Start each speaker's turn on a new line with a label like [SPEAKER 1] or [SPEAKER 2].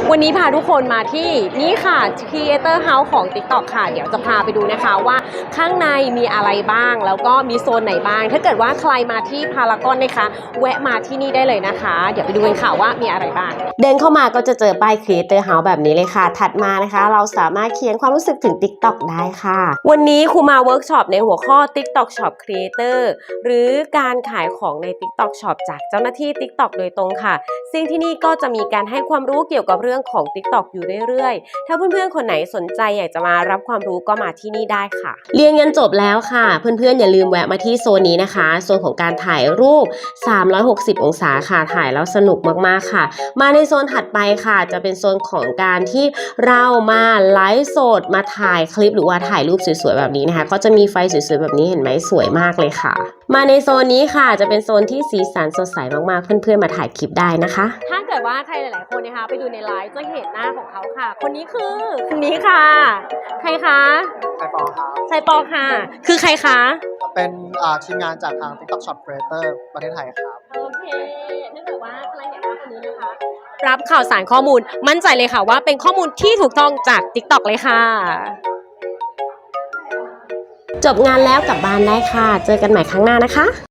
[SPEAKER 1] วันนี้พาทุกคนมาที่นี่ค่ะ Creator House ของ TikTok ค่ะเดี๋ยวจะพาไปดูนะคะว่าข้างในมีอะไรบ้างแล้วก็มีโซนไหนบ้างถ้าเกิดว่าใครมาที่พารากอนนะคะแวะมาที่นี่ได้เลยนะคะเดี๋ยวไปดูกันค่ะว่ามีอะไรบ้างเดินเข้ามาก็จะเจอป้าย Creator House แบบนี้เลยค่ะถัดมานะคะเราสามารถเขียนความรู้สึกถึง TikTok ได้ค่ะวันนี้ครูมาเวิร์กช็อปในหัวข้อ TikTok Shop Creator หรือการขายของใน TikTok Shop จากเจ้าหน้าที่ TikTok โดยตรงค่ะซึ่งที่นี่ก็จะมีการให้ความรู้เกี่ยวกับเรื่องของ TikTok อยู่เรื่อยๆถ้าเพื่อนๆคนไหนสนใจอยากจะมารับความรู้ก็มาที่นี่ได้ค่ะเรียนกันจบแล้วค่ะเพื่อนๆอย่าลืมแวะมาที่โซนนี้นะคะโซนของการถ่ายรูป360องศาค่ะถ่ายแล้วสนุกมากๆค่ะมาในโซนถัดไปค่ะจะเป็นโซนของการที่เรามาไลฟ์สดมาถ่ายคลิปหรือว่าถ่ายรูปสวยๆแบบนี้นะคะก็จะมีไฟสวยๆแบบนี้เห็นไหมสวยมากเลยค่ะมาในโซนนี้ค่ะจะเป็นโซนที่สีสันสดใสมากๆเพื่อนๆมาถ่ายคลิปได้นะคะถ้าเกิดว่าใครหลายๆคนนะคะไปดูในไลฟ์จะเห็นหน้าของเขาค่ะคนนี้คือคนนี้ค่ะใครคะ
[SPEAKER 2] ไซปอครับ
[SPEAKER 1] ไซปอค่ะคือใครคะ
[SPEAKER 2] เป็นทีมงานจากทาง TikTok Shop Creator ประเทศไทยครับ
[SPEAKER 1] โอเคถ้าเกิดว่าใครเห็นหน้าคนนี้นะคะรับข่าวสารข้อมูลมั่นใจเลยค่ะว่าเป็นข้อมูลที่ถูกต้องจาก TikTok เลยค่ะจบงานแล้วกลับบ้านได้ค่ะเจอกันใหม่ครั้งหน้านะคะ